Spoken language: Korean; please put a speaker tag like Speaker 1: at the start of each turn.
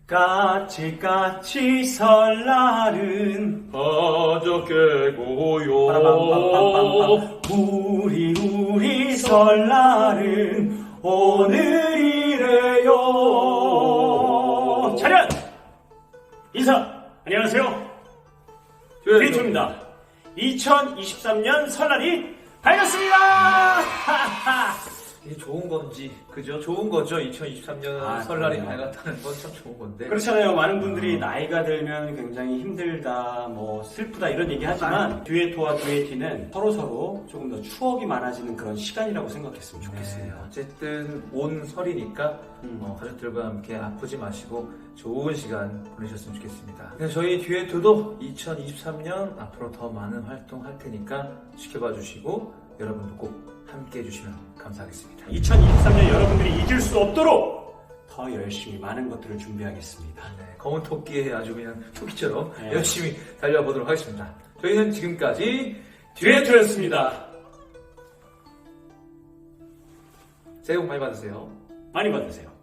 Speaker 1: 까치까치 설날은
Speaker 2: 어저께고요.
Speaker 1: 빠라밤밤밤밤밤. 우리 설날은 오늘이래요. 차렷! 인사! 안녕하세요. 듀엣입니다. 2023년 설날이 밝았습니다.
Speaker 2: 이게 좋은 건지, 그죠? 좋은 거죠. 2023년 설날이
Speaker 1: 그럼요.
Speaker 2: 밝았다는 건 참 좋은 건데.
Speaker 1: 그렇잖아요. 많은 분들이 나이가 들면 굉장히 힘들다, 뭐 슬프다 이런 얘기 하지만 듀에토와 듀에티는 서로서로 조금 더 추억이 많아지는 그런 시간이라고 생각했으면 좋겠습니다.
Speaker 2: 네, 어쨌든 온 설이니까 가족들과 함께 아프지 마시고 좋은 시간 보내셨으면 좋겠습니다. 네, 저희 듀에토도 2023년 앞으로 더 많은 활동할 테니까 지켜봐 주시고 여러분도 꼭 함께 해주시면 감사하겠습니다.
Speaker 1: 2023년 여러분들이 잊을 수 없도록 더 열심히 많은 것들을 준비하겠습니다.
Speaker 2: 네, 검은 토끼에 아주 그냥 토끼처럼
Speaker 1: 네.
Speaker 2: 열심히 달려보도록 하겠습니다. 저희는 지금까지
Speaker 1: 듀에토였습니다.
Speaker 2: 새해 복 많이 받으세요.
Speaker 1: 많이 받으세요.